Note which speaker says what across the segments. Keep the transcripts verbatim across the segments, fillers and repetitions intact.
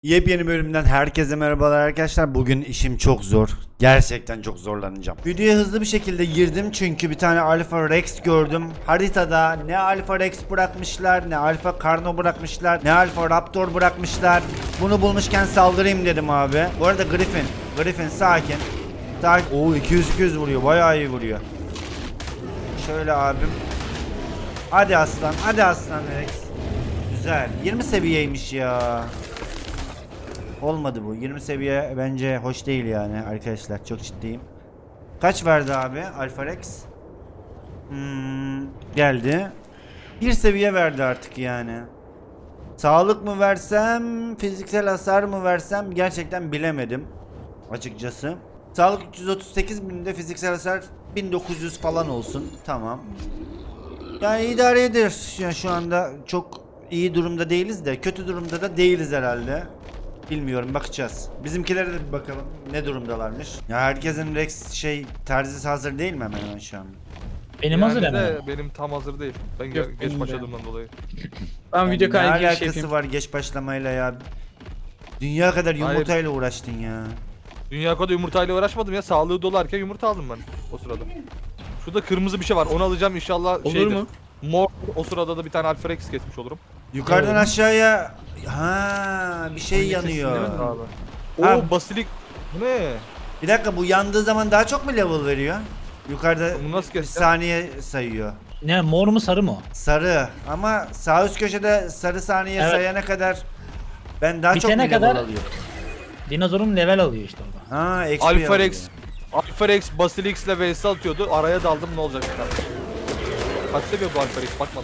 Speaker 1: Yepyeni bölümden herkese merhabalar arkadaşlar. Bugün işim çok zor. Gerçekten çok zorlanacağım. Videoya hızlı bir şekilde girdim çünkü bir tane Alpha Rex gördüm. Haritada ne Alpha Rex bırakmışlar, ne Alpha Carno bırakmışlar, ne Alpha Raptor bırakmışlar. Bunu bulmuşken saldırayım dedim abi. Bu arada Griffin, Griffin sakin. Sakin. Oo iki yüz iki yüz vuruyor. Bayağı iyi vuruyor. Şöyle abim. Hadi aslan, hadi aslan Rex. Güzel. yirmi seviyeymiş ya. Olmadı bu. yirmi seviye bence hoş değil yani arkadaşlar. Çok ciddiyim. Kaç verdi abi Alpha Rex? Hmm, geldi. Bir seviye verdi artık yani. Sağlık mı versem, fiziksel hasar mı versem gerçekten bilemedim. Açıkçası. Sağlık üç yüz otuz sekiz binde, fiziksel hasar bin dokuz yüz falan olsun. Tamam. Yani idare eder. Yani şu anda çok iyi durumda değiliz de kötü durumda da değiliz herhalde. Bilmiyorum, bakacağız. Bizimkilere de bir bakalım ne durumdalarmış. Ya herkesin Rex şey terzisi hazır değil mi hemen hemen şu an?
Speaker 2: Benim
Speaker 3: Yani
Speaker 2: hazır
Speaker 3: de
Speaker 2: hemen.
Speaker 3: Benim tam hazır değil. Ben
Speaker 2: Yok,
Speaker 3: ge- geç
Speaker 2: benim de.
Speaker 3: başladığımdan dolayı.
Speaker 2: Ben
Speaker 1: Yani
Speaker 2: video
Speaker 1: ne
Speaker 2: kaydı giriş
Speaker 1: alakası
Speaker 2: yapayım.
Speaker 1: var geç başlamayla ya? Dünya kadar
Speaker 3: Hayır.
Speaker 1: yumurtayla uğraştın ya.
Speaker 3: Dünya kadar yumurtayla uğraşmadım ya. Sağlığı dolarken yumurta aldım ben o sırada. Şurada kırmızı bir şey var. Onu alacağım inşallah.
Speaker 2: Olur
Speaker 3: şeydir.
Speaker 2: mu?
Speaker 3: Mor. O sırada da bir tane Alpha Rex kesmiş olurum.
Speaker 1: Yukarıdan
Speaker 2: Doğru.
Speaker 1: aşağıya ha bir şey
Speaker 3: Hangi sesini
Speaker 1: yanıyor.
Speaker 3: demedim abi.
Speaker 1: Ha.
Speaker 3: Oo basilik. Bu ne?
Speaker 1: Bir dakika, bu yandığı zaman daha çok mu level veriyor? Yukarıda
Speaker 3: Bunu nasıl
Speaker 1: bir
Speaker 3: keseceğim?
Speaker 1: saniye sayıyor.
Speaker 2: Ne, mor mu sarı mı?
Speaker 1: Sarı ama sağ üst köşede sarı saniye
Speaker 2: Evet.
Speaker 1: sayana kadar ben daha çok mu
Speaker 2: Bitene
Speaker 1: level
Speaker 2: kadar-
Speaker 1: alıyorum?
Speaker 2: Dinozorun level alıyor işte orada.
Speaker 1: Ha, X P
Speaker 3: Alpha
Speaker 1: alıyor.
Speaker 3: Rex. Alpha Rex Basilix ile vs atıyordu. Araya daldım, ne olacak bir tane. Kaç seviyor bu Alpha Rex? Bakmadım.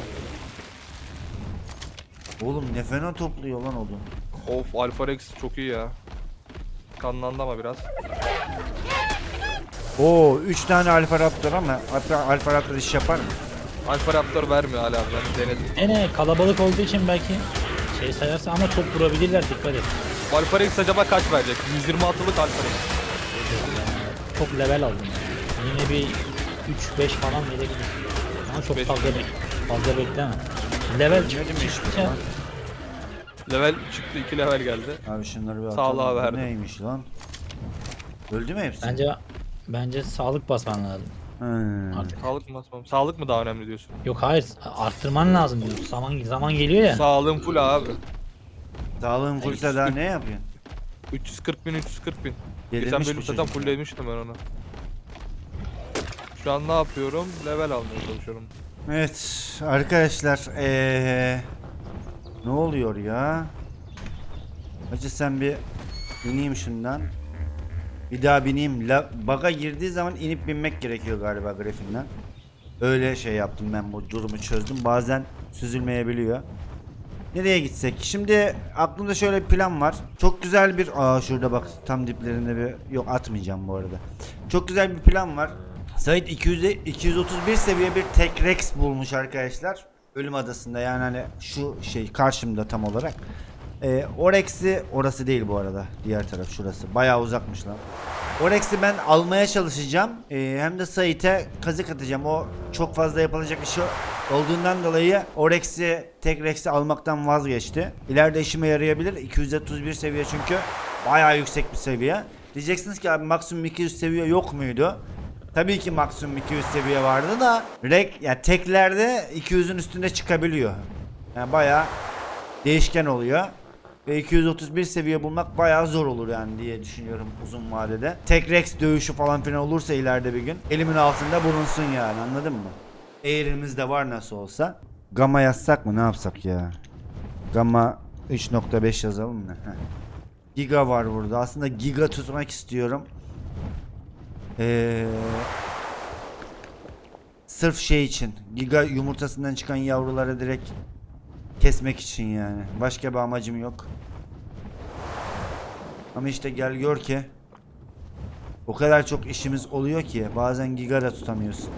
Speaker 1: Oğlum ne fena topluyor lan oğlum.
Speaker 3: Of, Alpha Rex çok iyi ya. Kanlandı ama biraz.
Speaker 1: Oo üç tane Alpha Raptor ama Alpha, Alpha Raptor iş yapar mı?
Speaker 3: Alpha Raptor vermiyor hala, ben denedim.
Speaker 2: Ene kalabalık olduğu için belki şey sayarsa ama çok vurabilirler, dikkat et.
Speaker 3: Alpha Rex acaba kaç verecek? yüz yirmi altılık Alpha Rex.
Speaker 2: Çok level aldım yani. Yine bir üç beş falan verebilir. Ama çok
Speaker 3: beş
Speaker 2: fazla, bek fazla bekleme. Level
Speaker 1: Ne
Speaker 2: çıktı
Speaker 1: demiş
Speaker 2: çıktı
Speaker 1: bu
Speaker 2: ya.
Speaker 1: lan?
Speaker 3: Level çıktı, iki level geldi.
Speaker 1: Abi şunları bir
Speaker 3: Sağlığa
Speaker 1: atalım. Bu
Speaker 3: verdim.
Speaker 1: neymiş lan? Öldü mü hepsi?
Speaker 2: Bence bence sağlık basman lazım
Speaker 1: Hmm.
Speaker 2: artık.
Speaker 3: Sağlık mı basmam? Sağlık mı daha önemli diyorsun?
Speaker 2: Yok hayır, arttırman lazım diyorsun. Zaman zaman geliyor ya.
Speaker 3: Sağlığım full abi.
Speaker 1: Sağlığın fullse daha ne yapıyorsun?
Speaker 3: üç yüz kırk bin, üç yüz kırk bin. Geçen
Speaker 1: Delirmiş
Speaker 3: bölüm
Speaker 1: bu
Speaker 3: zaten
Speaker 1: çocuk ya.
Speaker 3: fulllemiştim ben onu. Şu an ne yapıyorum? Level almaya çalışıyorum.
Speaker 1: Evet arkadaşlar ee, ne oluyor ya? Hacı sen bir ineyim şundan. Bir daha bineyim. La, baga girdiği zaman inip binmek gerekiyor galiba grafiğinden. Öyle şey yaptım, ben bu durumu çözdüm. Bazen süzülmeyebiliyor. Nereye gitsek? Şimdi aklımda şöyle bir plan var. Çok güzel bir... Aa şurada bak tam diplerinde bir... Yok atmayacağım bu arada. Çok güzel bir plan var. Sait iki yüz, iki yüz otuz bir seviye bir tek Rex bulmuş arkadaşlar. Ölüm Adası'nda, yani hani şu şey karşımda tam olarak. Ee, o Rex'i, orası değil bu arada. Diğer taraf şurası. Bayağı uzakmış lan. O Rex'i ben almaya çalışacağım. Ee, hem de Sait'e kazık atacağım. O çok fazla yapılacak işi olduğundan dolayı o Rex'i, tek Rex'i almaktan vazgeçti. İleride işime yarayabilir. iki yüz otuz bir seviye çünkü bayağı yüksek bir seviye. Diyeceksiniz ki abi maksimum iki yüz seviye yok muydu? Tabii ki maksimum iki yüz seviye vardı da Rex yani teklerde iki yüzün üstünde çıkabiliyor. Yani bayağı değişken oluyor. Ve iki yüz otuz bir seviye bulmak bayağı zor olur yani diye düşünüyorum uzun vadede. Tek Rex dövüşü falan filan olursa ileride bir gün elimin altında bulunsun yani, anladın mı? Eğrimiz de var nasıl olsa. Gamma yazsak mı, ne yapsak ya? Gamma üç nokta beş yazalım mı? Heh. Giga var burada. Aslında giga tutmak istiyorum. Ee, sırf şey için. Giga yumurtasından çıkan yavruları direkt kesmek için yani. Başka bir amacım yok. Ama işte gel gör ki o kadar çok işimiz oluyor ki bazen giga da tutamıyorsun.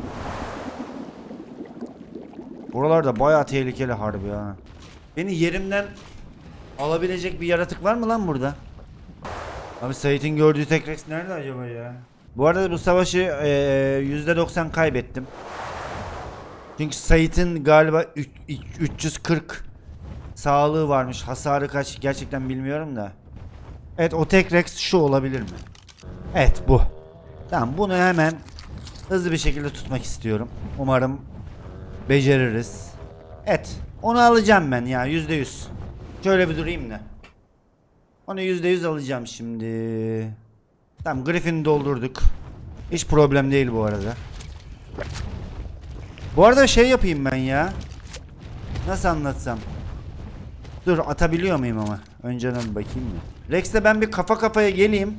Speaker 1: Buralarda bayağı tehlikeli harbi ha. Beni yerimden alabilecek bir yaratık var mı lan burada? Abi Sait'in gördüğü tek Rex nerede acaba ya? Bu arada bu savaşı ee, yüzde doksan kaybettim. Çünkü Sait'in galiba üç yüz kırk sağlığı varmış. Hasarı kaç gerçekten bilmiyorum da. Evet, o tek Rex şu olabilir mi? Evet, bu. Tamam, bunu hemen hızlı bir şekilde tutmak istiyorum. Umarım beceririz. Evet, onu alacağım ben ya, yüzde yüz. Şöyle bir durayım da. Onu yüzde yüz alacağım şimdi. Tamam, Griffin'i doldurduk. Hiç problem değil bu arada. Bu arada şey yapayım ben ya. Nasıl anlatsam? Dur, atabiliyor muyum ama? Önceden bir bakayım mı? Rex'le ben bir kafa kafaya geleyim.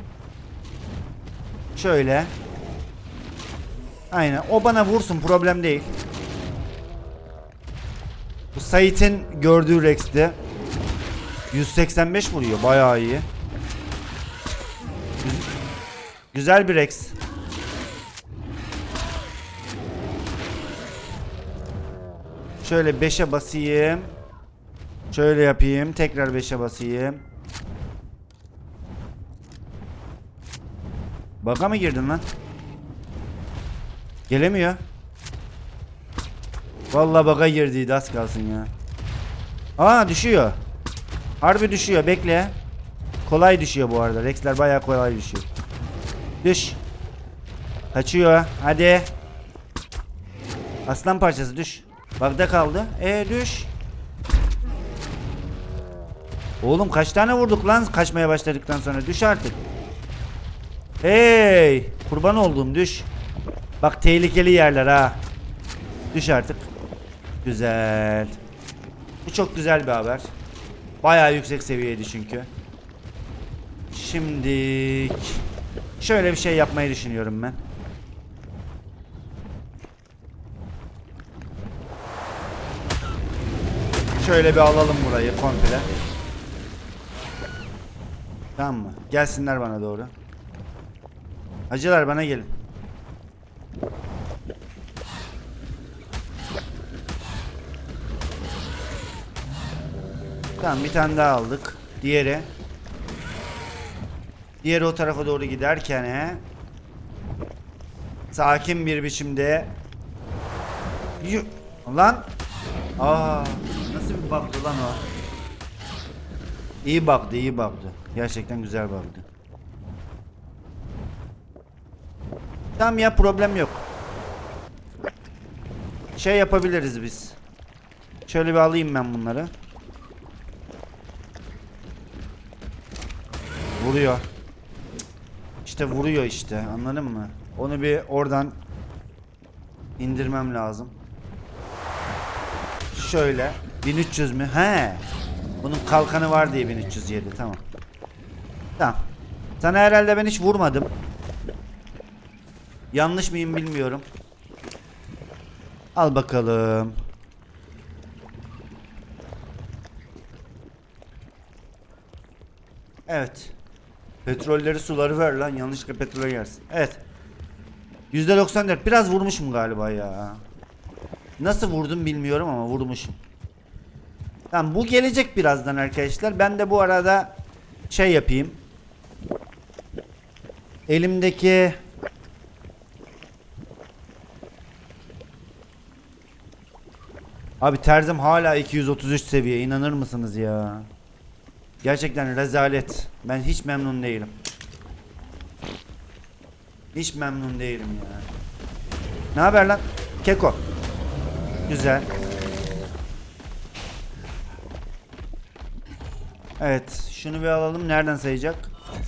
Speaker 1: Şöyle. Aynen. O bana vursun, problem değil. Bu Sait'in gördüğü Rex'ti. yüz seksen beş vuruyor. Bayağı iyi. Güz- Güzel bir Rex. Şöyle beşe basayım. Şöyle yapayım. Tekrar beşe basayım. Baka mı girdin lan? Gelemiyor. Vallahi baka girdiydi, az kalsın ya. Aa, düşüyor. Harbi düşüyor, bekle. Kolay düşüyor bu arada. Rex'ler bayağı kolay düşüyor. Düş. Kaçıyor. Hadi. Aslan parçası düş. Bakta kaldı. E düş. Oğlum kaç tane vurduk lan kaçmaya başladıktan sonra. Düş artık. Hey. Kurban olduğum düş. Bak tehlikeli yerler ha. Düş artık. Güzel. Bu çok güzel bir haber. Bayağı yüksek seviyeydi çünkü. Şimdi şöyle bir şey yapmayı düşünüyorum ben. Şöyle bir alalım burayı komple. Tamam mı? Gelsinler bana doğru. Hacılar bana gelin. Tamam, bir tane daha aldık. Diğeri. Diğeri o tarafa doğru giderken he, sakin bir biçimde Yü lan. Aa, nasıl bir bug'dı lan o? İyi bug'dı, iyi bug'dı. Gerçekten güzel bug'dı. Tamam ya, problem yok. Şey yapabiliriz biz. Şöyle bir alayım ben bunları. Vuruyor. İşte vuruyor işte, anladın mı? Onu bir oradan indirmem lazım. Şöyle bin üç yüz mü? He. Bunun kalkanı var diye bin üç yüz yedi, tamam. Tamam. Sana herhalde ben hiç vurmadım. Yanlış mıyım bilmiyorum. Al bakalım. Evet. Petrolleri suları ver lan, yanlışlıkla petrole gelsin. Evet. yüzde doksan dört, biraz vurmuşum galiba ya. Nasıl vurdum bilmiyorum ama vurmuşum. Tamam, bu gelecek birazdan arkadaşlar. Ben de bu arada şey yapayım. Elimdeki Abi terzim hala iki yüz otuz üç seviye, inanır mısınız ya? Gerçekten rezalet. Ben hiç memnun değilim. Hiç memnun değilim ya. Ne haber lan? Keko. Güzel. Evet, şunu bir alalım. Nereden sayacak?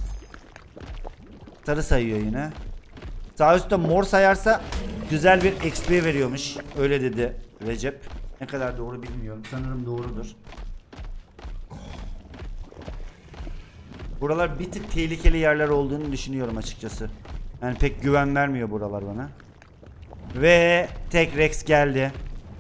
Speaker 1: Sarı sayıyor yine. Sağ üstte mor sayarsa güzel bir X P veriyormuş. Öyle dedi Recep. Ne kadar doğru bilmiyorum. Sanırım doğrudur. Buralar bir tık tehlikeli yerler olduğunu düşünüyorum açıkçası. Yani pek güven vermiyor buralar bana. Ve tek Rex geldi.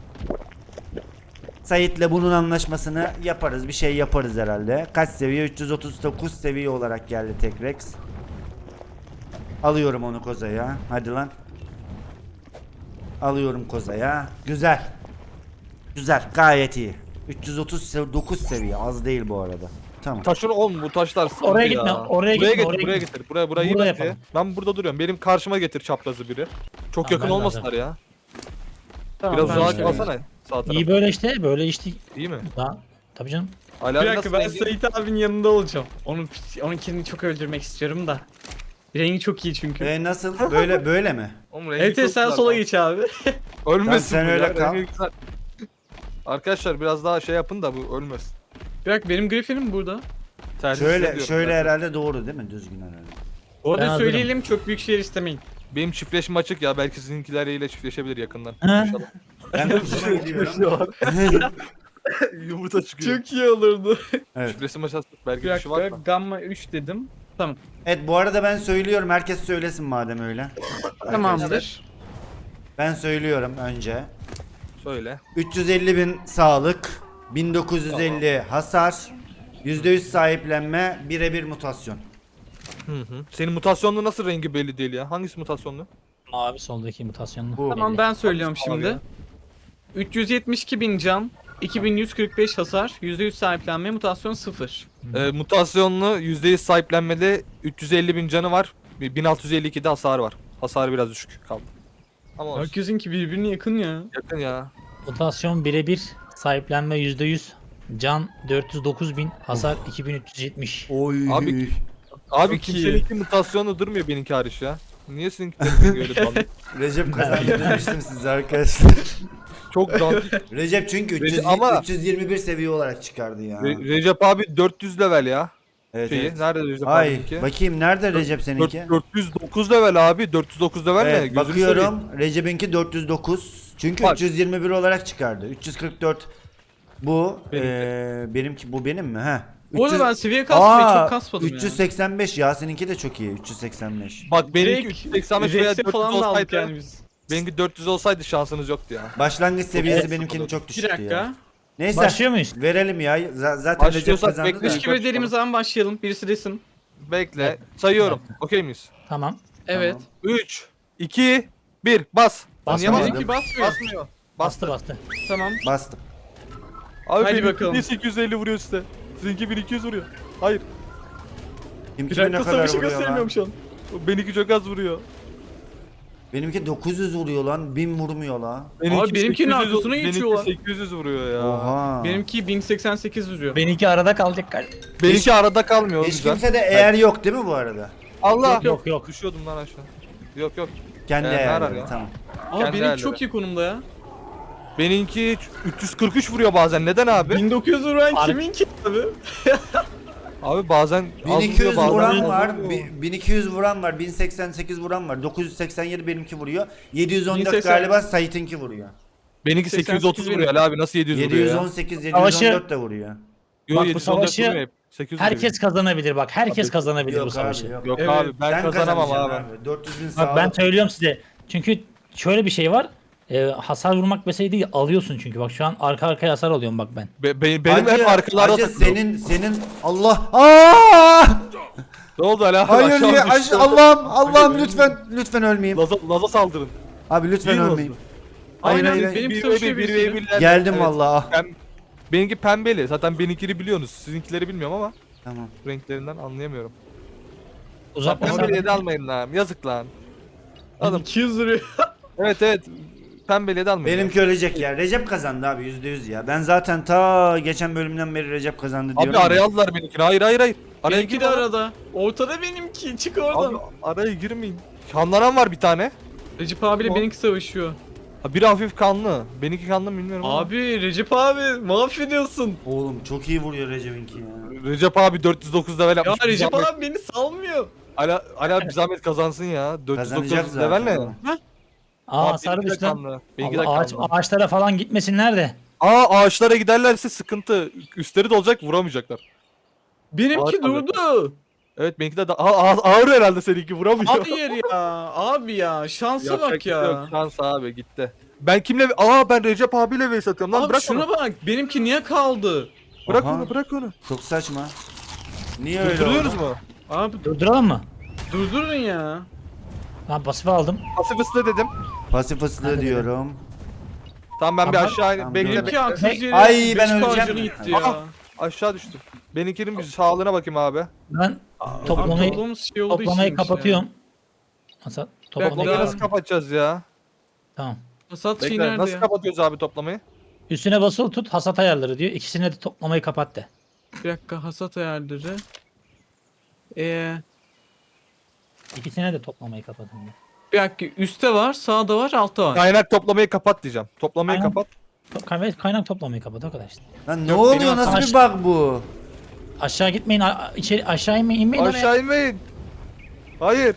Speaker 1: Sait'le bunun anlaşmasını yaparız. Bir şey yaparız herhalde. Kaç seviye? üç yüz otuz dokuz seviye olarak geldi tek Rex. Alıyorum onu kozaya. Hadi lan. Alıyorum kozaya. Güzel. Güzel. Gayet iyi. üç yüz otuz dokuz seviye. Az değil bu arada. Tamam.
Speaker 3: Taşın oğlum, bu taşlar sıkıntı
Speaker 2: Oraya
Speaker 3: ya.
Speaker 2: gitme, oraya
Speaker 3: buraya
Speaker 2: gitme,
Speaker 3: getir,
Speaker 2: oraya
Speaker 3: buraya
Speaker 2: gitme.
Speaker 3: getir. Buraya burayı
Speaker 2: Burada
Speaker 3: bence.
Speaker 2: yapalım.
Speaker 3: Ben burada duruyorum. Benim karşıma getir çaprazı biri. Çok
Speaker 2: Tamam,
Speaker 3: yakın
Speaker 2: ben
Speaker 3: olmasınlar
Speaker 2: lazım.
Speaker 3: ya.
Speaker 4: Tamam,
Speaker 3: Biraz
Speaker 4: ben
Speaker 3: uzağa
Speaker 4: işte-
Speaker 3: kalsana sağ taraf.
Speaker 2: İyi böyle işte, böyle işte
Speaker 3: İyi mi?
Speaker 2: daha Tabii canım.
Speaker 3: Ali
Speaker 4: Bir
Speaker 3: abi
Speaker 4: dakika
Speaker 3: nasıl
Speaker 4: ben
Speaker 3: rengi?
Speaker 4: Sait abinin yanında olacağım. Onun onunkini çok öldürmek istiyorum da. Rengi çok iyi çünkü.
Speaker 1: E nasıl? Böyle böyle mi?
Speaker 3: Oğlum rengi
Speaker 4: Evet
Speaker 3: çok
Speaker 4: evet, sen
Speaker 3: güzel
Speaker 4: sola
Speaker 3: lan.
Speaker 4: geç abi.
Speaker 3: Ölmesin
Speaker 1: Tamam, sen
Speaker 3: bu
Speaker 1: öyle
Speaker 3: ya,
Speaker 1: kal.
Speaker 3: rengi güzel. Arkadaşlar biraz daha şey yapın da bu ölmesin.
Speaker 4: Bir dakika benim Griffin'im burada.
Speaker 3: Tercih
Speaker 1: Şöyle
Speaker 3: ediyorum
Speaker 1: şöyle
Speaker 3: ben.
Speaker 1: herhalde doğru değil mi? Düzgün herhalde.
Speaker 4: Bu
Speaker 2: Ben
Speaker 4: arada
Speaker 2: hazırım.
Speaker 4: söyleyelim, çok büyük şeyler istemeyin.
Speaker 3: Benim çiftleşme açık ya, belki sizinkileriyle çiftleşebilir yakından.
Speaker 2: Ha.
Speaker 3: İnşallah.
Speaker 1: Ben hoşuma gidiyorum.
Speaker 3: Yumurta çıkıyor.
Speaker 4: Çok iyi olurdu.
Speaker 1: Evet.
Speaker 3: Çiftleşme açık belki
Speaker 4: Bir
Speaker 3: bir şey var
Speaker 4: dakika
Speaker 3: mı?
Speaker 4: gamma üç dedim. Tamam.
Speaker 1: Evet bu arada ben söylüyorum. Herkes söylesin madem öyle.
Speaker 4: Tamamdır.
Speaker 1: Ben söylüyorum önce.
Speaker 3: Söyle.
Speaker 1: üç yüz elli bin sağlık, bin dokuz yüz elli hasar, yüzde yüz sahiplenme, birebir mutasyon.
Speaker 3: Hı hı. Senin mutasyonlu nasıl rengi belli değil ya? Hangisi mutasyonlu?
Speaker 2: Mavi soldaki mutasyonlu.
Speaker 1: Bu.
Speaker 4: Tamam ben söylüyorum
Speaker 3: Hangisi abi
Speaker 4: şimdi.
Speaker 3: ya?
Speaker 4: üç yüz yetmiş iki bin can, iki bin yüz kırk beş hasar, yüzde yüz sahiplenme, mutasyon sıfır.
Speaker 3: Ee, mutasyonlu yüzde yüz sahiplenmede üç yüz elli bin canı var. bin altı yüz elli ikide hasar var. Hasarı biraz düşük kaldı. Ama olsun.
Speaker 4: Herkesinki birbirine yakın ya.
Speaker 3: Yakın ya.
Speaker 2: Mutasyon birebir. Sahiplenme yüzde yüz. Can dört yüz dokuz bin. Hasar iki bin üç yüz yetmiş.
Speaker 1: Oy.
Speaker 3: Abi- Abi
Speaker 4: Çok iyi.
Speaker 3: kimseninki mutasyonlu durmuyor benimki hariç ya. Niye seninkilerin öyle dalga?
Speaker 1: Recep kazandı demiştim size arkadaşlar.
Speaker 3: Çok dandik.
Speaker 1: Recep çünkü üç yüz,
Speaker 3: Ama-
Speaker 1: üç yüz yirmi bir seviye olarak çıkardı ya.
Speaker 3: Re- Recep abi dört yüz level ya.
Speaker 1: Evet,
Speaker 3: Şeyi.
Speaker 1: evet.
Speaker 3: Nerede Recep
Speaker 1: Ay
Speaker 3: abininki?
Speaker 1: bakayım nerede Recep seninki?
Speaker 3: dört yüz dokuz level abi. dört yüz dokuz level ne?
Speaker 1: Evet,
Speaker 3: Gözünü
Speaker 1: bakıyorum Recep'inki dört yüz dokuz. Çünkü
Speaker 3: Bak.
Speaker 1: üç yüz yirmi bir olarak çıkardı. üç yüz kırk dört bu.
Speaker 3: Benimki.
Speaker 1: Ee, benimki bu benim mi? He.
Speaker 4: Bu arada
Speaker 1: üç yüz
Speaker 4: ben seviye kasmayı çok kasmadım
Speaker 1: üç yüz seksen beş ya seninki de çok iyi. üç yüz seksen beş.
Speaker 3: Bak benimki
Speaker 4: Direkt
Speaker 3: üç yüz seksen beş veya
Speaker 4: Rex'e
Speaker 3: dört yüz
Speaker 4: falan da aldık
Speaker 3: olsaydı.
Speaker 4: yani biz.
Speaker 3: Benimki dört yüz olsaydı şansınız yoktu ya.
Speaker 1: Başlangıç seviyesi
Speaker 3: Evet.
Speaker 1: benimkinin çok
Speaker 4: Bir
Speaker 1: düşüktü
Speaker 4: dakika.
Speaker 1: ya. Neyse.
Speaker 2: Başlıyor muyuz?
Speaker 1: Verelim ya. Z- zaten Recep
Speaker 3: Başlıyorsak
Speaker 1: kazandı da.
Speaker 3: bekle.
Speaker 4: üç gibi dediğimiz zaman başlayalım. Birisi desin.
Speaker 3: Bekle.
Speaker 2: Evet.
Speaker 3: Sayıyorum. Okey miyiz?
Speaker 2: Tamam.
Speaker 4: Evet.
Speaker 3: üç, iki, bir. Bas.
Speaker 2: Basma.
Speaker 3: Niye basmıyor?
Speaker 4: Benimki basmıyor.
Speaker 3: Basmıyor.
Speaker 2: Bastı bastı.
Speaker 4: Tamam.
Speaker 1: Bastım.
Speaker 3: Abi
Speaker 4: Hadi
Speaker 3: benimki
Speaker 4: bakalım.
Speaker 3: niye sekiz yüz elli vuruyor size? Sizinki bin iki yüz vuruyor. Hayır.
Speaker 1: Kim
Speaker 4: Bir
Speaker 1: kime ne
Speaker 4: dakika
Speaker 1: kadar
Speaker 4: savaşı
Speaker 1: vuruyor
Speaker 4: göstermiyorum
Speaker 1: lan?
Speaker 4: şu an.
Speaker 3: Benimki çok az vuruyor.
Speaker 1: Benimki dokuz yüz vuruyor lan. bin vurmuyor la.
Speaker 3: Benimki
Speaker 4: benimkinin
Speaker 3: sekiz yüz
Speaker 4: arkasına geçiyor lan.
Speaker 3: Benimki sekiz yüz vuruyor ya.
Speaker 1: Oha.
Speaker 4: Benimki bin seksen sekiz vuruyor.
Speaker 2: Benimki arada kalacak galiba.
Speaker 3: Benimki arada kalmıyor.
Speaker 1: Hiç
Speaker 3: güzel.
Speaker 1: kimse de eğer yok değil mi bu arada?
Speaker 3: Allah.
Speaker 2: Yok yok yok.
Speaker 3: Düşüyordum lan aşağı. Yok yok.
Speaker 1: Kendi
Speaker 3: Ee, ne arar
Speaker 1: eğerleri
Speaker 3: ya?
Speaker 1: tamam.
Speaker 4: Aa
Speaker 3: kendi
Speaker 4: benimki
Speaker 3: değerleri.
Speaker 4: çok iyi konumda ya.
Speaker 3: Benimki üç yüz kırk üç vuruyor bazen. Neden abi?
Speaker 4: bin dokuz yüz vuran
Speaker 2: Ar-
Speaker 4: kiminki abi?
Speaker 3: Abi bazen
Speaker 1: bin
Speaker 3: az
Speaker 1: iki yüz
Speaker 3: vuruyor, bazen
Speaker 1: vuran
Speaker 3: az
Speaker 1: var,
Speaker 3: vuruyor.
Speaker 1: bi- bin iki yüz vuran var, bin seksen sekiz vuran var, dokuz yüz seksen yedi benimki vuruyor, yedi yüz on dört
Speaker 4: bin seksen
Speaker 1: galiba Sait'inki vuruyor.
Speaker 3: Benimki sekiz yüz otuz
Speaker 4: seksen sekiz
Speaker 3: vuruyor Ali abi. Nasıl yedi yüz vuruyor
Speaker 1: yedi yüz
Speaker 3: ya?
Speaker 1: on sekiz, yedi yüz
Speaker 2: Savaşı-
Speaker 1: on dört de vuruyor.
Speaker 3: Yo,
Speaker 2: Bak bu
Speaker 3: yedi yüz on dört
Speaker 2: savaşı
Speaker 3: vuruyor hep. sekiz yüz
Speaker 2: Herkes kazanabilir bak. Herkes kazanabilir bu
Speaker 1: Yok
Speaker 2: savaşı.
Speaker 1: abi yok.
Speaker 3: Yok
Speaker 4: Evet,
Speaker 3: abi ben
Speaker 1: Sen
Speaker 3: kazanamam
Speaker 1: kazanacaksın
Speaker 3: abi.
Speaker 1: dört yüz bin
Speaker 2: Bak
Speaker 1: sağlık.
Speaker 2: ben söylüyorum size. Çünkü şöyle bir şey var. Ee, hasar vurmak mesele değil, alıyorsun çünkü. Bak şu an arka arkaya hasar alıyorum bak ben.
Speaker 3: Be- be- benim
Speaker 1: Hacı-
Speaker 3: hep arkalarda
Speaker 1: Hacı
Speaker 3: takılıyor.
Speaker 1: senin senin Allah Aa!
Speaker 3: Ne oldu Ali abi?
Speaker 1: Hayır
Speaker 3: Aşağı
Speaker 1: ya
Speaker 3: düştü.
Speaker 1: aş- Allah'ım Allah'ım lütfen lütfen ölmeyeyim.
Speaker 3: Laza, Laza saldırın.
Speaker 1: Abi lütfen
Speaker 3: Değil mi
Speaker 1: ölmeyeyim.
Speaker 3: Laza?
Speaker 1: Hayır,
Speaker 4: Aynen
Speaker 1: hayır, hayır.
Speaker 4: benim
Speaker 3: Bir
Speaker 4: savaşıyor
Speaker 3: ve bir, bir
Speaker 4: birisi.
Speaker 3: ve birler-
Speaker 1: Geldim
Speaker 3: Evet.
Speaker 1: vallahi. ah.
Speaker 3: Pem- benimki pembeli. Zaten benimkini biliyorsunuz. Sizinkileri bilmiyorum ama
Speaker 1: Tamam.
Speaker 3: renklerinden anlayamıyorum.
Speaker 2: Uzak
Speaker 3: Pembeliye
Speaker 2: mesafe.
Speaker 3: de almayın lan. Yazık lan. Alın.
Speaker 4: iki yüz vuruyor.
Speaker 3: Evet evet. Pembeliye de almayın.
Speaker 1: Benimki ölecek ya. Recep kazandı abi yüzde yüz ya. Ben zaten ta geçen bölümden beri Recep kazandı diyorum.
Speaker 3: Abi
Speaker 1: ya.
Speaker 3: araya aldılar benimkini. Hayır hayır hayır. Araya
Speaker 4: Benimki de
Speaker 3: girme lan.
Speaker 4: arada. Ortada benimki. Çık oradan.
Speaker 3: Abi araya girmeyin. Kanlanan var bir tane.
Speaker 4: Recep abiyle
Speaker 3: O-
Speaker 4: benimki savaşıyor.
Speaker 3: Ha, biri hafif kanlı. Benimki kanlı mı bilmiyorum ama.
Speaker 4: Abi Recep abi mahvediyorsun.
Speaker 1: Oğlum çok iyi vuruyor Recep'inki ya.
Speaker 3: Recep abi dört yüz dokuz level
Speaker 4: Ya
Speaker 3: yapmış. Bir
Speaker 4: Recep
Speaker 3: zahmet-
Speaker 4: abi beni salmıyor.
Speaker 3: Ali, Ali abi bir zahmet kazansın ya. dört yüz
Speaker 1: Kazanacak
Speaker 3: dokuz level ne?
Speaker 1: zaten.
Speaker 2: Aa
Speaker 3: Abi
Speaker 2: hasar
Speaker 3: benimki de
Speaker 2: düştü lan.
Speaker 3: kanlı. Benimki de
Speaker 2: Allah, ağaç,
Speaker 3: kanlı.
Speaker 2: ağaçlara falan gitmesinler de.
Speaker 3: Aa ağaçlara giderlerse sıkıntı. Üstleri dolacak vuramayacaklar.
Speaker 4: Benimki
Speaker 3: Harika.
Speaker 4: durdu.
Speaker 3: Evet benimki de da Aa, ağ- ağır herhalde seninki vuramıyor.
Speaker 4: Hayır ya. Abi ya. Şansa
Speaker 3: Yapacak
Speaker 4: bak
Speaker 3: bir şey yok,
Speaker 4: ya.
Speaker 3: Şans abi gitti. Ben kimle Aa ben Recep abiyle vs atıyorum lan
Speaker 4: Abi
Speaker 3: bırak
Speaker 4: şuna
Speaker 3: onu.
Speaker 4: bak. Benimki niye kaldı?
Speaker 3: Bırak
Speaker 1: Aha.
Speaker 3: onu bırak onu.
Speaker 1: Çok saçma. Niye öyle
Speaker 3: Durduruyoruz
Speaker 1: oldu?
Speaker 3: mu?
Speaker 4: Abi
Speaker 2: Durduralım mı?
Speaker 4: durdurun ya.
Speaker 2: Ben pasif aldım.
Speaker 3: Pasif ıslı dedim.
Speaker 1: Pasif ıslığı
Speaker 2: Hadi
Speaker 1: diyorum.
Speaker 3: Tamam ben bir
Speaker 2: Tamam.
Speaker 3: aşağı
Speaker 1: Tamam,
Speaker 3: bekle
Speaker 1: dur.
Speaker 4: Benimki
Speaker 3: bekle.
Speaker 4: haksız yere
Speaker 1: Ay,
Speaker 4: beş
Speaker 1: ben
Speaker 4: K
Speaker 1: öleceğim.
Speaker 4: canı gitti
Speaker 3: Aha.
Speaker 4: ya.
Speaker 3: Aşağı düştüm. Benimkinin bir sağlığına bakayım abi.
Speaker 2: Ben
Speaker 4: Abi
Speaker 2: toplamayı,
Speaker 4: toplamız şey oldu
Speaker 2: toplamayı
Speaker 4: işiymiş
Speaker 2: kapatıyorum. Hasar,
Speaker 3: Toplamayı
Speaker 2: toplamayı
Speaker 4: daha-
Speaker 3: nasıl kapatacağız ya?
Speaker 2: Tamam.
Speaker 4: Ya. Hasat şey
Speaker 3: Bekle
Speaker 4: nerede
Speaker 3: nasıl
Speaker 4: ya?
Speaker 3: kapatıyoruz abi toplamayı?
Speaker 2: Üstüne basılı tut hasat ayarları diyor. İkisine de toplamayı kapat de.
Speaker 4: Bir dakika, hasat ayarları. Ee,
Speaker 2: İkisine de toplamayı kapatın diyor.
Speaker 4: bir dakika, üstte var, sağda var, altta var.
Speaker 3: Kaynak toplamayı kapat diyeceğim. Toplamayı
Speaker 2: Aynen.
Speaker 3: kapat.
Speaker 2: To- Kaynak, kaynak toplamayı kapat o kadar işte.
Speaker 1: Lan ne
Speaker 3: Yok,
Speaker 1: oluyor?
Speaker 3: benim
Speaker 1: Nasıl bir
Speaker 2: aşağı-
Speaker 1: bug bu?
Speaker 2: Aşağı gitmeyin, a- içeri aşağı inmeyin, inmeyin oraya.
Speaker 3: Aşağı inmeyin. Hayır.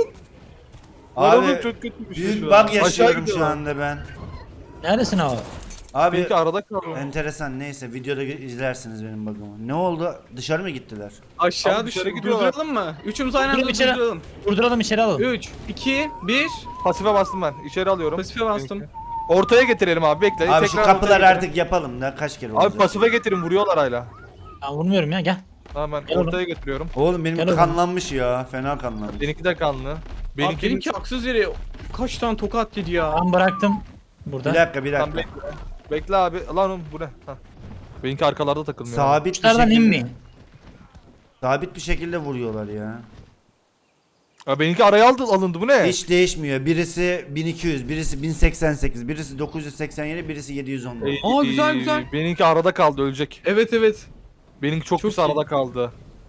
Speaker 3: Lan
Speaker 1: Abi
Speaker 3: oğlum çok kötü bir şey
Speaker 1: büyük
Speaker 3: şu
Speaker 1: bug
Speaker 3: an. Aşağı
Speaker 1: yaşıyorum şu
Speaker 3: gidiyorlar.
Speaker 1: anda ben.
Speaker 2: Neredesin abi?
Speaker 1: Abi
Speaker 3: Benimki arada kaldı.
Speaker 1: enteresan, neyse videoda gö- izlersiniz benim bug'ımı. Ne oldu? Dışarı mı gittiler?
Speaker 4: Aşağı
Speaker 3: Abi dışarı
Speaker 4: düşün.
Speaker 3: gidiyorlar.
Speaker 4: Durduralım mı? Üçümüz aynı anda
Speaker 2: Durduralım içeri.
Speaker 4: durduralım.
Speaker 2: Durduralım içeri alalım.
Speaker 4: üç, iki, bir.
Speaker 3: Pasife bastım ben. İçeri alıyorum.
Speaker 4: Pasife bastım.
Speaker 3: Benimki. Ortaya getirelim abi bekle.
Speaker 1: Abi şu
Speaker 3: Tekrar
Speaker 1: kapıları
Speaker 3: ortaya getirin.
Speaker 1: artık yapalım da kaç kere olacak?
Speaker 3: Abi pasife getirin vuruyorlar hala.
Speaker 2: Ben vurmuyorum ya, gel.
Speaker 3: Tamam ben
Speaker 2: Gel oğlum.
Speaker 3: ortaya getiriyorum.
Speaker 1: Oğlum benim
Speaker 2: Gel oğlum.
Speaker 1: kanlanmış ya. Fena kanlanmış.
Speaker 3: Benimki de kanlı.
Speaker 4: Abi
Speaker 3: Benimki,
Speaker 4: benimki haksız yere kaç tane tokat yedi ya.
Speaker 2: Ben bıraktım burada.
Speaker 1: Bir dakika bir
Speaker 3: Tamam,
Speaker 1: dakika.
Speaker 3: bekle. Bekle abi. Lan oğlum bu ne? Ha. Benimki arkalarda takılmıyor.
Speaker 1: Sabit bir
Speaker 2: Uçlardan
Speaker 1: şekilde.
Speaker 2: inmeyin.
Speaker 1: Sabit bir şekilde vuruyorlar ya.
Speaker 3: Ya benimki araya aldı, alındı bu ne?
Speaker 1: Hiç değişmiyor. Birisi bin iki yüz, birisi bin seksen sekiz, birisi dokuz yüz seksen yedi, birisi yedi yüz on.
Speaker 3: Ey,
Speaker 4: Aa, güzel, güzel.
Speaker 3: Benimki arada kaldı ölecek.
Speaker 4: Evet evet.
Speaker 3: Benimki çok,
Speaker 4: Çok
Speaker 3: pis
Speaker 4: iyi.
Speaker 3: arada kaldı.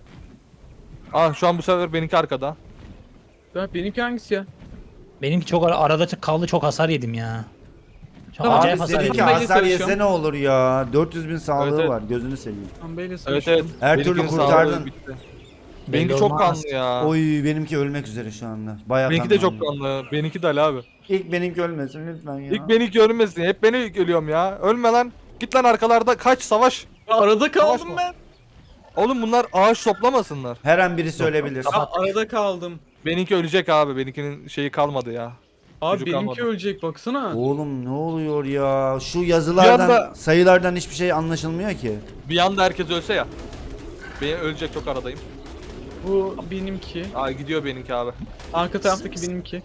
Speaker 3: Ah şu an bu sefer benimki arkada.
Speaker 4: Ya benimki hangisi ya?
Speaker 2: Benimki çok ara- arada kaldı, çok hasar yedim ya. Çok
Speaker 4: Tamam,
Speaker 2: acayip
Speaker 1: Abi
Speaker 2: hasar
Speaker 1: seninki
Speaker 2: yedim.
Speaker 4: Pembeyle
Speaker 1: hasar yese
Speaker 4: savaşıyorum.
Speaker 1: ne olur ya. dört yüz bin sağlığı
Speaker 3: Evet, evet.
Speaker 1: var. Gözünü seveyim.
Speaker 4: Pembeyle
Speaker 3: Evet
Speaker 4: savaşıyorum.
Speaker 3: evet.
Speaker 1: Her türlü
Speaker 3: Benimkinin
Speaker 1: kurtardın.
Speaker 3: sağlığı bitti.
Speaker 2: Belli
Speaker 3: Benimki çok
Speaker 2: olmaz.
Speaker 3: kanlı ya.
Speaker 1: Oy benimki ölmek üzere şu anda. Bayağı
Speaker 3: Benimki de
Speaker 1: kanlanıyor.
Speaker 3: çok kanlı. Benimki de Ali abi.
Speaker 1: İlk benimki ölmesin lütfen ya.
Speaker 3: İlk benimki ölmesin. Hep beni ilk ölüyorum ya. Ölme lan. Git lan arkalarda kaç savaş.
Speaker 4: Ya arada kaldım
Speaker 3: Savaşma.
Speaker 4: ben.
Speaker 3: Oğlum bunlar ağaç toplamasınlar.
Speaker 1: Her an birisi ölebilir.
Speaker 4: Ya arada kaldım.
Speaker 3: Benimki ölecek abi. Benimkinin şeyi kalmadı ya.
Speaker 4: Abi
Speaker 3: Çocuk
Speaker 4: benimki
Speaker 3: kalmadı.
Speaker 4: ölecek baksana.
Speaker 1: Oğlum ne oluyor ya? Şu yazılardan,
Speaker 3: Bir anda-
Speaker 1: sayılardan hiçbir şey anlaşılmıyor ki.
Speaker 3: Bir anda herkes ölse ya. Ben ölecek çok aradayım.
Speaker 4: Bu benimki.
Speaker 3: Aa gidiyor benimki abi.
Speaker 4: Arka taraftaki benimki.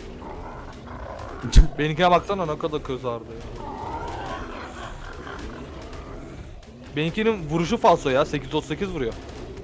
Speaker 3: Benimkine baksana ne kadar kızardı ya. Benimkinin vuruşu falso ya. sekiz otuz sekiz vuruyor.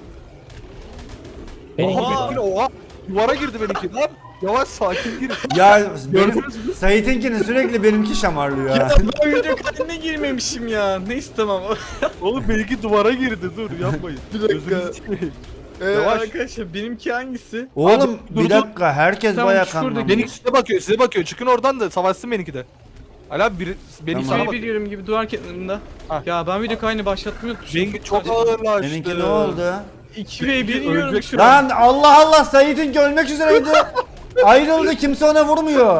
Speaker 2: Benimki
Speaker 3: Oha,
Speaker 2: de-
Speaker 3: benimkine oha. Duvara girdi benimki lan. Yavaş sakin gir.
Speaker 1: Ya benim
Speaker 3: Gördünüz mü?
Speaker 1: Sait'inkini sürekli benimki şamarlıyor
Speaker 4: Ya
Speaker 1: ya.
Speaker 4: ben video kaydına girmemişim ya. Neyse tamam.
Speaker 3: Oğlum benimki duvara girdi dur yapmayın.
Speaker 4: Bir dakika.
Speaker 3: Gözünüzü seveyim.
Speaker 4: Ee,
Speaker 3: Yavaş.
Speaker 4: arkadaşlar benimki hangisi?
Speaker 1: Oğlum
Speaker 3: Abi, dur,
Speaker 1: bir
Speaker 3: dur.
Speaker 1: dakika herkes
Speaker 4: Tamam,
Speaker 1: bayağı
Speaker 4: şuradaki
Speaker 1: kanlanmış.
Speaker 3: Benimki size bakıyor size bakıyor. Çıkın oradan da savaşsın benimki de. Ali abi biri, benimki
Speaker 1: Tamam.
Speaker 3: sana
Speaker 4: Şey
Speaker 3: bakıyor.
Speaker 4: biliyorum gibi duvar kenarında.
Speaker 3: Ha.
Speaker 4: Ya ben video kaydını başlatmayı unutmuşum.
Speaker 3: Benimki çok ağırlaştı.
Speaker 1: Benimki ne oldu?
Speaker 4: iki ve bir yiyorum
Speaker 3: Ölecek.
Speaker 4: şu an.
Speaker 1: Lan Allah Allah Sait'inki ölmek üzereydi. Ayrıldı kimse ona vurmuyor.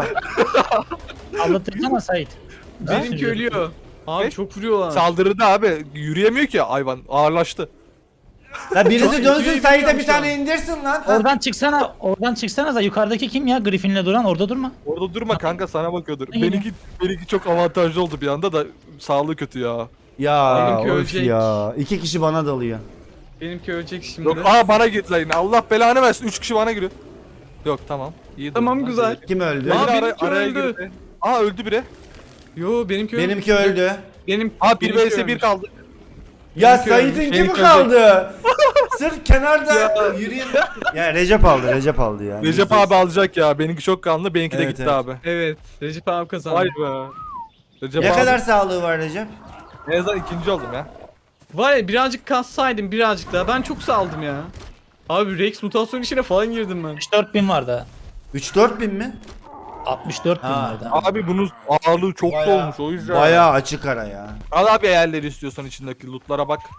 Speaker 2: Anlatırsana Sait.
Speaker 4: Benimki ölüyor. Abi
Speaker 3: Ne?
Speaker 4: çok vuruyorlar.
Speaker 3: Saldırıda abi yürüyemiyor ki hayvan ağırlaştı.
Speaker 1: La birisi
Speaker 4: Çok
Speaker 1: dönsün
Speaker 4: iyi
Speaker 1: Sait'e
Speaker 4: biliyorum
Speaker 1: bir
Speaker 4: şu
Speaker 1: tane
Speaker 4: an.
Speaker 1: indirsin lan.
Speaker 2: Oradan çıksana, oradan çıksana da yukarıdaki kim ya? Griffin'le duran orada durma.
Speaker 3: Orada durma kanka sana bakıyordur.
Speaker 2: Ne
Speaker 3: Benimki benimki çok avantajlı oldu bir anda da sağlığı kötü ya.
Speaker 1: Ya
Speaker 4: Benimki
Speaker 1: of
Speaker 4: ölecek.
Speaker 1: ya. İki kişi bana dalıyor.
Speaker 4: Benimki ölecek şimdi.
Speaker 3: Yok aa bana girdiler yine. Allah belanı versin. üç kişi bana giriyor. Yok tamam. İyi
Speaker 4: Tamam,
Speaker 3: durumdan
Speaker 4: güzel.
Speaker 3: geldik.
Speaker 1: Kim öldü?
Speaker 3: Yine
Speaker 4: Aa,
Speaker 3: ara-
Speaker 4: benimki
Speaker 3: araya
Speaker 4: öldü.
Speaker 3: girdi. Aa öldü biri.
Speaker 4: Yo benimki öldü.
Speaker 1: Benimki öldü.
Speaker 4: Benim
Speaker 3: Aa bir
Speaker 4: benimki
Speaker 3: vs bir
Speaker 4: ölmüş.
Speaker 3: kaldı.
Speaker 1: Ya
Speaker 4: Benimki ölmüş.
Speaker 1: Sait'inki mi
Speaker 3: Benimki
Speaker 1: kaldı? Sırf kenarda yürüyeyim. Ya Recep aldı, Recep aldı ya.
Speaker 3: Recep abi alacak ya. Benimki çok kanlı. Benimki de
Speaker 1: Evet,
Speaker 3: gitti
Speaker 1: evet.
Speaker 3: abi.
Speaker 4: Evet. Recep abi kazandı.
Speaker 3: Vay be. Recep
Speaker 1: Ne
Speaker 3: abi.
Speaker 1: kadar sağlığı var Recep?
Speaker 3: En azından ikinci oldum ya.
Speaker 4: Var ya birazcık kassaydım birazcık daha. Ben çok saldım ya. Abi Rex mutasyon işine falan girdim ben.
Speaker 2: altmış dört bin vardı.
Speaker 1: üç dört bin mi?
Speaker 2: altmış dört bin
Speaker 1: Ha.
Speaker 2: vardı.
Speaker 3: Abi bunun ağırlığı çok da
Speaker 1: Bayağı-
Speaker 3: olmuş o yüzden.
Speaker 1: Bayağı açık ara ya.
Speaker 3: Al abi eğerleri istiyorsan içindeki lootlara bak.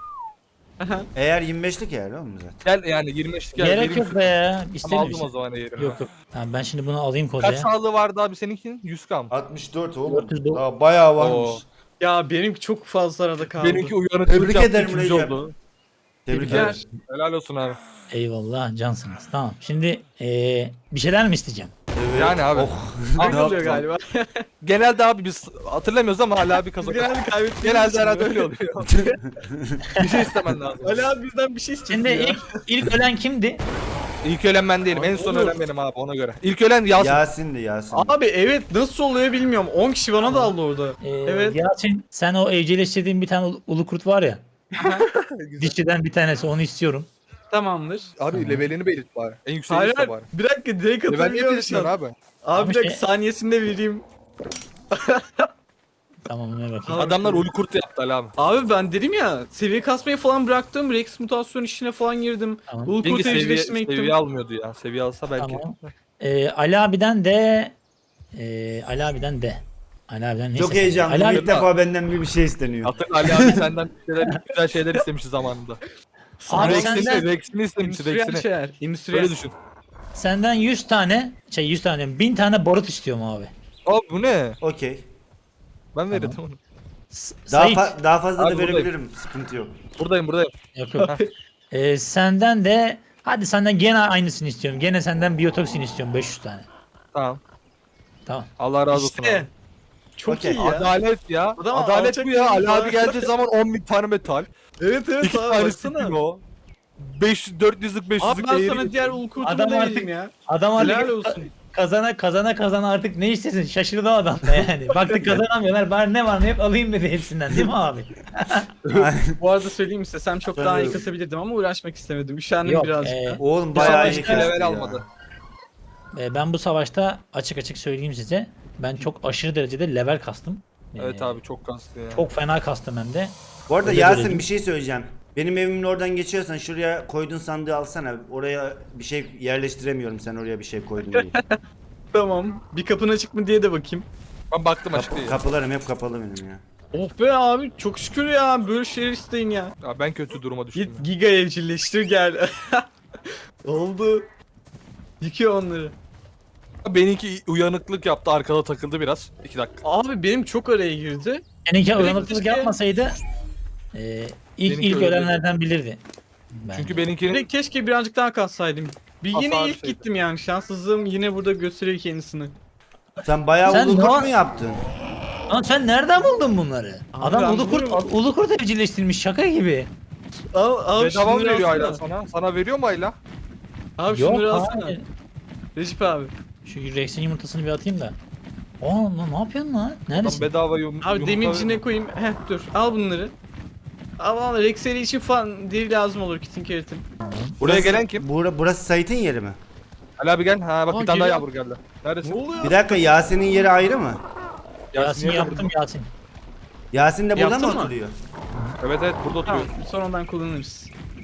Speaker 1: Eğer yirmi beşlik eğer oğlum zaten.
Speaker 3: Gel yani yirmi beşlik gel.
Speaker 2: Gerek
Speaker 3: benim
Speaker 2: yok be ya.
Speaker 3: Ama
Speaker 2: İstemiyorum.
Speaker 3: aldım o zaman eğerimi.
Speaker 2: Yok yok. Tamam, ben şimdi bunu alayım
Speaker 3: Kaç
Speaker 2: kozaya.
Speaker 3: sağlığı vardı abi seninkinin? yüz kam.
Speaker 1: altmış dört oğlum.
Speaker 2: dört yüz dokuz.
Speaker 1: Daha bayağı varmış.
Speaker 3: Oo.
Speaker 4: Ya benimki çok fazla arada kaldı.
Speaker 3: Benimki uyanıklık
Speaker 1: Tebrik
Speaker 3: yaptı,
Speaker 1: ederim
Speaker 3: ikinci
Speaker 1: Recep.
Speaker 3: oldu.
Speaker 1: Tebrikler.
Speaker 4: Tebrikler.
Speaker 3: Helal olsun abi.
Speaker 2: Eyvallah cansınız. Tamam. Şimdi eee bir şeyler mi isteyeceğim?
Speaker 1: Evet.
Speaker 3: Yani abi.
Speaker 1: Oh.
Speaker 3: Abi
Speaker 1: Ne
Speaker 4: oluyor
Speaker 1: yaptın?
Speaker 4: galiba.
Speaker 3: Genelde abi biz hatırlamıyoruz ama hala bir kazak.
Speaker 4: Genelde kaybettiğimiz
Speaker 3: Genelde
Speaker 4: için
Speaker 3: herhalde
Speaker 4: böyle.
Speaker 3: öyle oluyor. bir şey istemen lazım.
Speaker 4: Ali abi bizden bir şey istiyorsun
Speaker 2: Şimdi
Speaker 4: ya.
Speaker 2: ilk, ilk ölen kimdi?
Speaker 3: İlk ölen ben değilim. En son
Speaker 4: Olur.
Speaker 3: ölen benim abi ona göre. İlk ölen Yasin.
Speaker 1: Yasin'di Yasin.
Speaker 4: Abi evet nasıl oluyor bilmiyorum. on kişi bana daldı orada.
Speaker 2: Ee,
Speaker 4: Evet.
Speaker 2: Yasin, sen o evcilleştirdiğin bir tane ulu- ulu kurt var ya. Dişçiden bir tanesi, onu istiyorum.
Speaker 4: Tamamdır.
Speaker 3: Abi levelini belirt bari. En yükseği
Speaker 4: Hayır
Speaker 3: iste
Speaker 4: hayır.
Speaker 3: bari.
Speaker 4: Bir dakika direkt
Speaker 3: Level niye
Speaker 4: atabiliyorum şu
Speaker 3: belirtmiyorsun
Speaker 4: an.
Speaker 3: abi?
Speaker 4: Abi bir dakika
Speaker 2: şey-
Speaker 4: saniyesinde vereyim.
Speaker 2: Tamam ne bakayım.
Speaker 3: Adamlar ulu kurt yaptı Ali abi.
Speaker 4: Abi ben dedim ya seviye kasmayı falan bıraktım. Rex mutasyon işine falan girdim.
Speaker 2: Tamam.
Speaker 4: Ulu
Speaker 3: Çünkü
Speaker 4: kurt
Speaker 3: seviye,
Speaker 4: evcilleştirmeye gittim.
Speaker 3: seviye almıyordu ya. Seviye alsa belki.
Speaker 2: Tamam. Ee, Ali abiden de ee, Ali abiden de Ali abiden neyse.
Speaker 1: Çok heyecanlıyım.
Speaker 2: Ali abi,
Speaker 1: İlk defa benden bir bir şey isteniyor.
Speaker 3: Hatırla Ali abi senden bir şeyler, güzel şeyler istemişti zamanında.
Speaker 2: Abi
Speaker 3: Rex'ini,
Speaker 2: senden-
Speaker 3: Rex'ini istemişti
Speaker 4: Endüstriyel
Speaker 3: Rex'ini.
Speaker 4: şeyler. Endüstriyel.
Speaker 3: Öyle düşün.
Speaker 2: senden yüz tane şey yüz tane diyorum, bin tane barut istiyorum abi.
Speaker 3: Abi bu ne?
Speaker 1: Okey.
Speaker 3: Ben verirdim onu.
Speaker 2: S-
Speaker 1: Daha,
Speaker 2: Sait.
Speaker 1: fa- daha fazla
Speaker 3: Abi
Speaker 1: da
Speaker 3: buradayım.
Speaker 1: verebilirim. Sıkıntı yok.
Speaker 3: Buradayım buradayım.
Speaker 2: Yok yok. Ee, senden de hadi senden gene aynısını istiyorum. Gene senden biyotoksin istiyorum beş yüz tane.
Speaker 3: Tamam.
Speaker 2: Tamam.
Speaker 3: Allah razı olsun
Speaker 4: İşte.
Speaker 3: abi.
Speaker 4: Çok
Speaker 1: Okey.
Speaker 4: iyi ya.
Speaker 3: Adalet ya.
Speaker 4: Adam
Speaker 3: Adalet
Speaker 4: alçak
Speaker 3: bu ya.
Speaker 4: bir
Speaker 3: Ali
Speaker 4: insan.
Speaker 3: abi geldiği zaman on bin tane metal.
Speaker 4: Evet evet
Speaker 3: iki
Speaker 4: abi
Speaker 3: tane
Speaker 4: baksana.
Speaker 3: spino. beş yüz dört yüzlük beş
Speaker 4: Abi
Speaker 3: yüzlük
Speaker 4: ben
Speaker 3: eğri.
Speaker 4: sana diğer ulu kurtumu
Speaker 2: Adam
Speaker 4: da
Speaker 2: artık-
Speaker 4: vereyim ya.
Speaker 2: Adam artık
Speaker 4: Helal olsun.
Speaker 2: kazana kazana kazana artık ne istesin şaşırdı o adam da yani. Baktık kazanamıyorlar bari ne var ne yok alayım dedi hepsinden değil mi abi?
Speaker 4: Bu arada söyleyeyim istesem çok daha iyi
Speaker 1: Sanıyorum.
Speaker 4: kasabilirdim ama uğraşmak istemedim. Üşendim
Speaker 2: Yok,
Speaker 4: birazcık
Speaker 2: e,
Speaker 4: da.
Speaker 1: Oğlum bayağı iyi
Speaker 2: savaşta
Speaker 1: kesti
Speaker 3: level
Speaker 1: ya.
Speaker 3: almadı.
Speaker 2: Ee, ben bu savaşta açık açık söyleyeyim size. Ben çok aşırı derecede level kastım.
Speaker 3: Evet
Speaker 2: Ee,
Speaker 3: abi çok kastı ya.
Speaker 2: Çok fena kastım hem de.
Speaker 1: Bu arada
Speaker 2: Öyle
Speaker 1: Yasin
Speaker 2: görelim.
Speaker 1: bir şey söyleyeceğim. Benim evimin oradan geçiyorsan şuraya koyduğun sandığı alsana. Oraya bir şey yerleştiremiyorum sen oraya bir şey koydun diye.
Speaker 4: Tamam. Bir kapın açık mı diye de bakayım.
Speaker 3: Ben baktım açık
Speaker 1: Kapı,
Speaker 3: değil.
Speaker 1: kapılarım hep kapalı benim ya.
Speaker 4: Oh be abi çok şükür ya böyle şeyler isteyin ya.
Speaker 3: Ya ben kötü duruma düştüm.
Speaker 4: Git
Speaker 3: ya.
Speaker 4: giga evcilleştir gel. Oldu. Yıkıyor onları.
Speaker 3: Benimki uyanıklık yaptı arkada takıldı biraz. iki dakika.
Speaker 4: Abi benim çok araya girdi.
Speaker 2: Seninki
Speaker 4: Direkt
Speaker 2: uyanıklık
Speaker 4: keşke-
Speaker 2: yapmasaydı e, ilk
Speaker 3: Benimki
Speaker 2: ilk
Speaker 3: öyle
Speaker 2: ölenlerden bilirdi. Bence.
Speaker 3: Çünkü benimkinin
Speaker 4: Direkt keşke birazcık daha kassaydım. Bir yine
Speaker 3: Hasar
Speaker 4: ilk
Speaker 3: şeydi.
Speaker 4: gittim yani şanssızlığım yine burada gösteriyor kendisini.
Speaker 1: Sen bayağı
Speaker 2: Sen
Speaker 1: ulu
Speaker 2: ne-
Speaker 1: kurt mu yaptın?
Speaker 2: Lan sen nereden buldun bunları?
Speaker 4: Abi
Speaker 2: Adam
Speaker 4: ben
Speaker 2: ulu kurt,
Speaker 4: buluyorum.
Speaker 2: ulu kurt evcilleştirmiş şaka gibi.
Speaker 4: Al al
Speaker 3: bedava mı
Speaker 4: şunları
Speaker 3: veriyor
Speaker 4: alsana.
Speaker 3: Ayla sana? Sana veriyor mu Ayla?
Speaker 4: Abi
Speaker 2: Yok
Speaker 4: şunları alsana.
Speaker 2: hayır.
Speaker 4: Recep abi.
Speaker 2: Şu Rex'in yumurtasını bir atayım da. Aa lan ne yapıyorsun lan?
Speaker 3: Tam
Speaker 2: Neredesin?
Speaker 3: bedava yum
Speaker 4: Abi
Speaker 3: yumurta
Speaker 4: demircine
Speaker 3: veriyor.
Speaker 4: koyayım. Heh dur al bunları. Al al Rex'leri için falan deri lazım olur kitin keratin.
Speaker 3: Buraya gelen kim?
Speaker 1: Bura, burası Sait'in yeri mi?
Speaker 3: Ali abi gel. Ha bak
Speaker 4: Aa,
Speaker 3: bir tane daha
Speaker 4: geliyor.
Speaker 3: yavru geldi. Neredesin?
Speaker 4: Ne oluyor?
Speaker 1: Bir dakika Yasin'in yeri ayrı mı?
Speaker 2: Yasin
Speaker 3: niye
Speaker 2: yaptım
Speaker 3: burada?
Speaker 2: Yasin.
Speaker 1: Yasin de burada
Speaker 4: Yaptın
Speaker 1: mı
Speaker 4: mı?
Speaker 1: oturuyor?
Speaker 3: Evet evet burada
Speaker 4: Tamam
Speaker 3: oturuyor.
Speaker 4: sonradan kullanırız.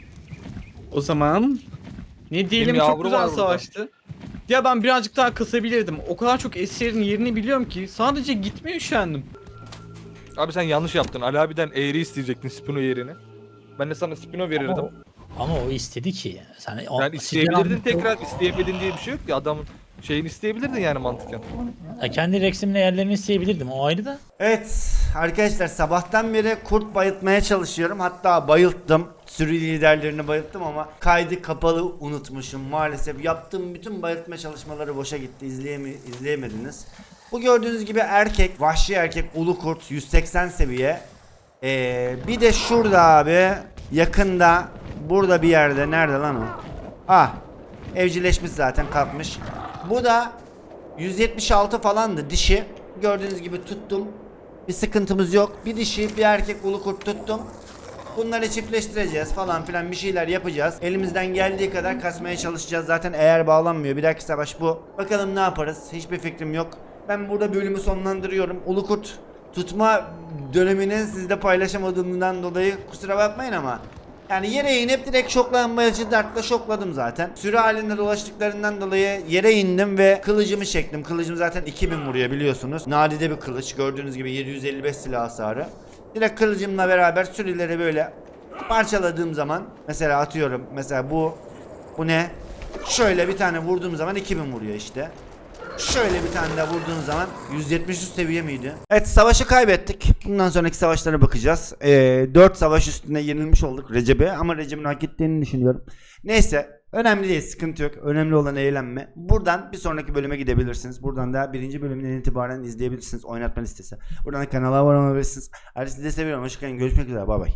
Speaker 4: O zaman ne diyelim
Speaker 3: Benim
Speaker 4: çok
Speaker 3: yavru
Speaker 4: güzel
Speaker 3: var burada.
Speaker 4: savaştı. Ya ben birazcık daha kısabilirdim. O kadar çok eserin yerini biliyorum ki sadece gitmeye üşendim.
Speaker 3: Abi sen yanlış yaptın. Ali abiden eğri isteyecektin Spino yerini. Ben de sana Spino verirdim.
Speaker 2: Ama, ama o istedi ki. Sen, o,
Speaker 3: Yani
Speaker 2: sizden-
Speaker 3: isteyebilirdin tekrar isteyemedin diye bir şey yok ki adamın şeyini isteyebilirdin yani mantıken.
Speaker 2: Ya kendi Rex'imle yerlerini isteyebilirdim o ayrı da.
Speaker 1: Evet arkadaşlar sabahtan beri kurt bayıltmaya çalışıyorum. Hatta bayılttım. Sürü liderlerini bayılttım ama kaydı kapalı unutmuşum. Maalesef yaptığım bütün bayıltma çalışmaları boşa gitti. İzleyemi izleyemediniz. Bu gördüğünüz gibi erkek, vahşi erkek ulu kurt yüz seksen seviye. Ee, bir de şurada abi yakında burada bir yerde nerede lan o? Ah evcilleşmiş zaten kalkmış. Bu da yüz yetmiş altı falandı dişi. Gördüğünüz gibi tuttum. Bir sıkıntımız yok. Bir dişi bir erkek ulu kurt tuttum. Bunları çiftleştireceğiz falan filan bir şeyler yapacağız. Elimizden geldiği kadar kasmaya çalışacağız. Zaten eğer bağlanmıyor. Bir dahaki savaş bu. Bakalım ne yaparız? Hiçbir fikrim yok. Ben burada bölümü sonlandırıyorum. Ulu kurt tutma dönemini sizle paylaşamadığımdan dolayı kusura bakmayın ama yani yere inip direkt şoklanmayıcı dartla şokladım zaten. Sürü halinde dolaştıklarından dolayı yere indim ve kılıcımı çektim. Kılıcım zaten iki bin vuruyor biliyorsunuz. Nadide bir kılıç. Gördüğünüz gibi yedi yüz elli beş silah hasarı. Direkt kılıcımla beraber sürüleri böyle parçaladığım zaman mesela atıyorum mesela bu bu ne? Şöyle bir tane vurduğum zaman iki bin vuruyor işte. Şöyle bir tane daha vurduğun zaman yüz yetmiş üst seviye miydi? Evet savaşı kaybettik. Bundan sonraki savaşlara bakacağız. Ee, dört savaş üstünde yenilmiş olduk Recep'e ama Recep'in hak ettiğini düşünüyorum. Neyse önemli değil sıkıntı yok. Önemli olan eğlenme. Buradan bir sonraki bölüme gidebilirsiniz. Buradan da birinci bölümden itibaren izleyebilirsiniz. Oynatma listesi. Buradan da kanala abone olabilirsiniz. Hadi sizi de seviyorum. Hoşçakalın. Görüşmek üzere. Bay bay.